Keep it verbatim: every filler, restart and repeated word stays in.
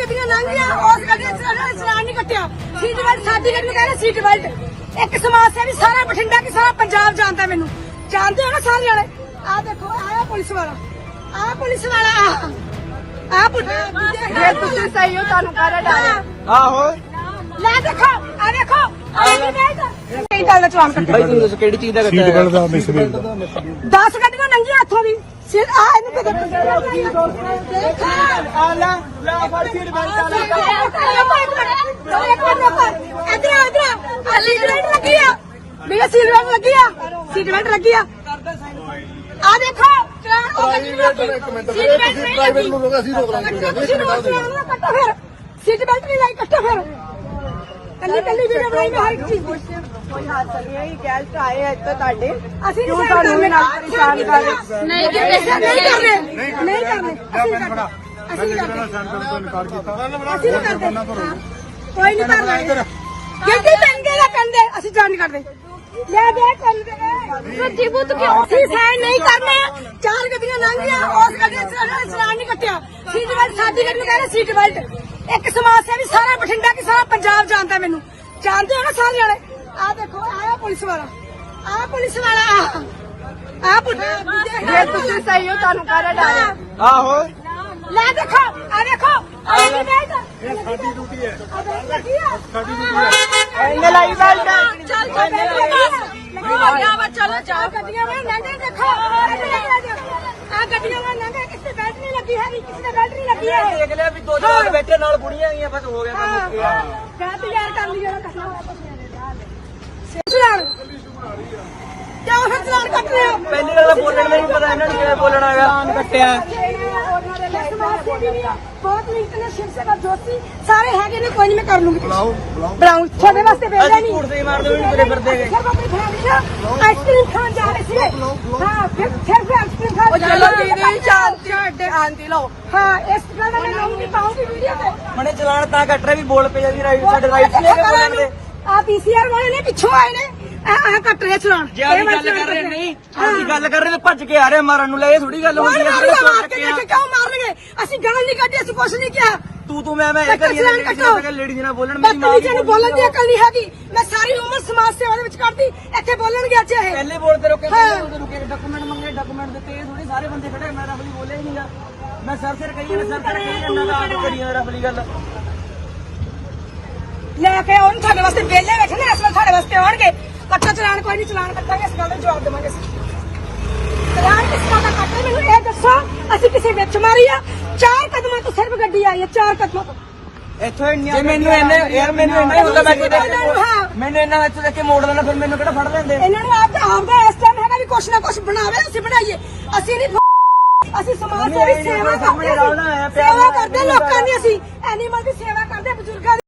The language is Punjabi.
ਗੱਡੀਆਂ ਲੰਘੀਆਂ ਉਸ ਗੱਡੀ ਦਾ ਚਲਾਨ ਨਹੀਂ ਕੱਟਿਆ। ਸੀਟ ਬੈਲਟ ਸਾਡੀ ਗੱਡੀ ਨੂੰ ਕਹਿੰਦੇ ਸੀਟ ਬੈਲਟ। ਇੱਕ ਸਮਾਜ ਸੇਵੀ ਸਾਰਾ ਬਠਿੰਡਾ ਕੀ ਸਾਰਾ ਪੰਜਾਬ ਜਾਣਦਾ ਮੈਨੂੰ, ਜਾਣਦੇ ਹੋ ਨਾ ਸਾਰੇ ਵਾਲੇ। ਆ ਦੇਖੋ ਆਇਆ ਪੁਲਿਸ ਵਾਲਾ, ਆ ਪੁਲਿਸ ਵਾਲਾ ਆ ਆ ਜੇ ਤੁਸੀਂ ਸਹੀ ਹੋ ਤੁਹਾਨੂੰ ਕਾਹਦਾ ਡਰ? ਆਹੋ ਲੈ ਦੇਖੋ ਆ ਦੇਖੋ ਕਈ ਗੱਲ ਦਾ ਚਲਾਨ ਕੱਟਿਆ। ਭਾਈ ਤੁਸੀਂ ਦੱਸੋ ਕਿਹੜੀ ਚੀਜ਼ ਦਾ ਸੀਟ ਬੈਲਟ ਦਾ ਮਿਸਬੀਲ ਦਾ ਦਸ ਗੱਡੀਆਂ ਲੰਘੀਆਂ ਇੱਥੋਂ ਦੀ ਸਿਰ ਆ ਇਹਨੂੰ ਕਿਤੇ ਆ ਲੈ ਲੈ ਫੜ ਸੀਟ ਬੈਲਟ ਆ ਲੈ ਇਧਰ ਇਧਰ ਆ ਸੀਟ ਬੈਲਟ ਲੱਗੀ ਆ ਮੇਰਾ ਸੀਟ ਬੈਲਟ ਲੱਗੀ ਆ ਸੀਟ ਬੈਲਟ ਲੱਗੀ ਆ ਆ ਦੇਖੋ ਚਲਾਨ ਉਹ ਗੱਡੀ ਨੂੰ ਸੀਟ ਬੈਲਟ ਨਹੀਂ ਪ੍ਰਾਈਵੇਟ ਨੂੰ ਲੋਕ ਅਸੀਂ ਰੋਕ ਲਾਂਗੇ ਕੱਟੋ ਫਿਰ ਸੀਟ ਬੈਲਟ ਨਹੀਂ ਲਾਈ ਕੱਟੋ ਫਿਰ ਕੱਲੀ ਕੱਲੀ ਵੀਡੀਓ ਬਣਾਈ ਮੈਂ ਹਰ ਇੱਕ ਚੀਜ਼ ਦੀ। ਕੋਈ ਹਾਦਸਾ ਨਹੀਂ ਹੈ, ਗੈਸਟ ਆਏ ਆ ਇੱਥੇ ਤੁਹਾਡੇ, ਅਸੀਂ ਕਿਉਂ ਸਾਨੂੰ ਨਾਲ ਪਰੇਸ਼ਾਨ ਕਰ ਰਹੇ? ਨਹੀਂ ਕਰਦੇ ਨਹੀਂ ਕਰਦੇ ਨਹੀਂ ਕਰਦੇ ਅਸੀਂ ਨਹੀਂ ਕਰਦੇ ਅਸੀਂ ਨਹੀਂ ਕਰਦੇ ਤੋਂ ਇਨਕਾਰ ਕੀਤਾ ਅਸੀਂ ਨਹੀਂ ਕਰਦੇ ਹਾਂ, ਕੋਈ ਨਹੀਂ ਕਰਦਾ ਗੱਡੀ ਪੈਂਦੇ ਨਾ ਪੈਂਦੇ ਅਸੀਂ ਜਾਣ ਨਹੀਂ ਕਰਦੇ ਲੈ ਦੇ ਕੰਦੇ ਸੱਚੀ ਬੁੱਤ ਕਿਉਂ ਅਸੀਂ ਸਾਈਨ ਨਹੀਂ ਕਰਨੇ। ਚਾਰ ਗੱਡੀਆਂ ਲੰਘੀਆਂ ਉਸ ਗੱਡੀ ਦਾ ਚਲਾਨ ਨਹੀਂ ਕੱਟਿਆ। ਸੀਟ ਬੈਲਟ ਸਾਡੀ ਗੱਡੀ ਨੂੰ ਕਹਿੰਦੇ ਸੀਟ ਬੈਲਟ। ਇੱਕ ਸਮਾਜ ਸੇਵੀ ਸਾਰਾ ਬਠਿੰਡਾ ਕੀ ਸਾਰਾ ਪੰਜਾਬ ਜਾਣਦਾ ਮੈਨੂੰ, ਜਾਣਦੇ ਹੋ ਨਾ ਸਾਰੇ ਵਾਲੇ। ਆ ਦੇਖੋ ਆਇਆ ਪੁਲਿਸ ਵਾਲਾ, ਆ ਪੁਲਿਸ ਵਾਲਾ ਆ ਆ ਜੇ ਤੁਸੀਂ ਸਹੀ ਹੋ ਤੁਹਾਨੂੰ ਕਾਹਦਾ ਡਰ? ਆਹੋ ਲੈ ਦੇਖੋ ਆ ਦੇਖੋ ਇਹ ਸਾਡੀ ਡਿਊਟੀ ਹੈ ਸਾਡੀ ਡਿਊਟੀ ਹੈ ਇਹਨੇ ਲਾਈ ਬੈਲਟ ਚੱਲ ਚੱਲ ਲੱਗਿਆ ਵਾ ਚਲੋ ਚਾਹ ਗੱਡੀਆਂ ਵਾਂ ਲੰਘੇ ਦੇਖੋ ਆ ਗੱਡੀਆਂ ਵਾਂ ਲੰਘੇ ਕਿਸੇ ਬੈਲਟ ਨਹੀਂ ਲੱਗੀ ਹੈ ਕਿਸੇ ਦੇ ਬੈਲਟ ਨਹੀਂ ਲੱਗੀ ਹੈ। ਦੇਖ ਲਿਆ ਵੀ ਦੋ ਜਵਾਨ ਬੈਠੇ ਨਾਲ ਬੁੜੀਆਂ ਆਈਆਂ ਬਸ ਹੋ ਗਿਆ ਕੰਮ। ਕਹਿ ਤੇ ਯਾਰ ਕਰ ਲਈ ਜਿਹੜਾ ਕਰਨਾ ਚਲਾਨ ਕਿਉਂ ਫਿਰ ਚਲਾਨ ਕੱਟ ਰਹੇ ਹੋ? ਪਹਿਲੀ ਗੱਲ ਤਾਂ ਬੋਲਣ ਦਾ ਨਹੀਂ ਪਤਾ ਇਹਨਾਂ ਨੂੰ ਕਿਵੇਂ ਬੋਲਣਾ ਹੈਗਾ। ਕੱਟਿਆ ਬਹੁਤ ਲਿੰਕ ਨੇ ਸ਼ਿਵ ਸੇਵਾ ਜੋਤੀ ਸਾਰੇ ਹੈਗੇ ਨੇ, ਕੋਈ ਨਹੀਂ ਮੈਂ ਕਰ ਲੂੰਗੀ। ਬੁਲਾਓ ਬੁਲਾਓ ਬਰਾਉਨ ਤੁਹਾਡੇ ਵਾਸਤੇ ਵੇਲੇ ਅਸੀਂ ਨਹੀਂ ਝੂਠ ਦੇ ਮਾਰਦੇ ਵੀ ਨਹੀਂ ਤੁਰੇ ਫਿਰਦੇ ਹੈਗੇ। ਆਈਸਕ੍ਰੀਮ ਖਾਣ ਜਾ ਰਹੇ ਸੀ। ਹਾਂ ਫਿਰ ਫਿਰ ਫਿਰ ਆਈਸਕ੍ਰੀਮ ਖਾਣ ਜਾ ਚਲੋ ਦੀਦੀ ਸ਼ਾਂਤੀ ਸ਼ਾਂਤੀ ਲਓ। ਹਾਂ ਇਸ ਤਰ੍ਹਾਂ ਦਾ ਮੈਂ ਲਾਉਂਗੀ ਪਾਉਂਗੀ ਵੀਡੀਓ ਤੇ। ਮਨੇ ਚਲਾਨ ਤਾਂ ਕੱਟ ਰਿਹਾ ਵੀ ਬੋਲ ਪਏ ਜਾਂਦੀ ਰਾਈਟ ਸਾਡੇ ਰਾਈਟ ਨਹੀਂ ਹੈਗੇ ਬੋਲਣ ਦੇ। ਆ ਪੀਸੀਆਰ ਵਾਲੇ ਨੇ ਪਿੱਛੋਂ ਆਏ ਨੇ ਆ ਆ ਕੱਟ ਰਹੇ ਚਲਾਨ। ਜੇ ਅਸੀਂ ਗੱਲ ਕਰ ਰਹੇ ਨਹੀਂ ਅਸੀਂ ਗੱਲ ਕਰ ਰਹੇ ਤਾਂ ਭੱਜ ਕੇ ਆ ਰਹੇ ਮਾਰਨ ਨੂੰ। ਲੈ ਇਹ ਥੋੜੀ ਗੱਲ ਹੁੰਦੀ ਹੈ। ਮਾਰ ਕੇ ਦੇਖੇ ਕਿਉਂ ਮਾਰਨਗੇ? ਅਸੀਂ ਗਾਲ ਨਹੀਂ ਕੱਢੀ, ਅਸੀਂ ਕੁਛ ਨਹੀਂ ਕਿਹਾ। ਤੂੰ ਤੂੰ ਮੈਂ ਮੈਂ ਇਹ ਕਰੀ ਜਾਂਦਾ ਲੇਡੀ ਨਾਲ ਬੋਲਣ ਮੇਰੀ ਮਾਂ ਬਦਤਮੀਜ਼ੀ ਨੂੰ ਬੋਲਣ ਦੀ ਅਕਲ ਨਹੀਂ ਹੈਗੀ। ਮੈਂ ਸਾਰੀ ਉਮਰ ਸਮਾਜ ਸੇਵਾ ਦੇ ਵਿੱਚ ਕੱਢਦੀ, ਇੱਥੇ ਬੋਲਣਗੇ ਅੱਜ ਇਹ। ਪਹਿਲੇ ਬੋਲਦੇ ਰੋਕੇ ਪਹਿਲੇ ਰੁਕੇ ਡਾਕੂਮੈਂਟ ਮੰਗੇ ਡਾਕੂਮੈਂਟ ਦਿੱਤੇ। ਇਹ ਥੋੜੀ ਸਾਰੇ ਬੰਦੇ ਖੜੇ ਮੈਂ ਰਫਲੀ ਬੋਲਿਆ ਹੀ ਨਹੀਂਗਾ। ਮੈਂ ਸਰ ਸਿਰ ਕਹੀ ਨਾ ਸਰ ਸਿਰ ਕਹੀ ਜਾਂਦਾ ਤਾਂ ਆਪ ਕਰੀ ਜਾਂਦਾ ਰਫਲੀ ਗੱਲ। ਲੈ ਕੇ ਆਉਣ ਸਾਡੇ ਵਾਸਤੇ ਵਿਹਲੇ ਬੈਠੇ ਨੇ, ਇਸ ਵੇਲੇ ਸਾਡੇ ਵਾਸਤੇ ਆਉਣਗੇ। ਕੱਟਾ ਚਲਾਨ ਕੋਈ ਨਹੀਂ, ਚਲਾਨ ਕੱਟਾਂਗੇ, ਇਸ ਗੱਲ ਦਾ ਜਵਾਬ ਦੇਵਾਂਗੇ ਅਸੀਂ। ਚਲਾਨ ਕਿਸ ਤਰ੍ਹਾਂ ਦਾ ਕੱਟੇ ਮੈਨੂੰ ਇਹ ਦੱਸੋ। ਅਸੀਂ ਕਿਸੇ ਵਿੱਚ ਮਾਰੀ ਆ? ਚਾਰ ਕਦਮਾਂ ਤੋਂ ਸਿਰਫ ਗੱਡੀ ਆਈ ਹੈ, ਚਾਰ ਕਦਮਾਂ ਤੋਂ। ਇੱਥੋਂ ਇੰਨੀਆਂ ਮੈਨੂੰ ਇੰਨੇ ਯਾਰ ਮੈਨੂੰ ਇੰਨਾ ਹੀ ਹੁੰਦਾ ਮੈਂ ਕਿਤੇ ਹਾਂ। ਮੈਨੂੰ ਇੰਨਾ ਵਿੱਚ ਦੇਖ ਕੇ ਮੋੜ ਲੈਣਾ ਫਿਰ ਮੈਨੂੰ ਕਿਹੜਾ ਫੜ ਲੈਂਦੇ। ਇਹਨਾਂ ਨੂੰ ਆਪ ਦਾ ਆਪ ਦਾ ਇਸ ਟਾਈਮ ਹੈਗਾ ਵੀ ਕੁਛ ਨਾ ਕੁਛ ਬਣਾਵੇ, ਅਸੀਂ ਬਣਾਈਏ। ਅਸੀਂ ਨਹੀਂ ਅਸੀਂ ਸਮਾਜ ਸੇਵੀ ਸੇਵਾ ਕਰਦੇ, ਸੇਵਾ ਕਰਦੇ ਲੋਕਾਂ ਦੀ। ਅਸੀਂ ਐਨੀਮਲ ਦੀ ਸੇਵਾ ਕਰਦੇ, ਬਜ਼ੁਰਗਾਂ ਦੀ।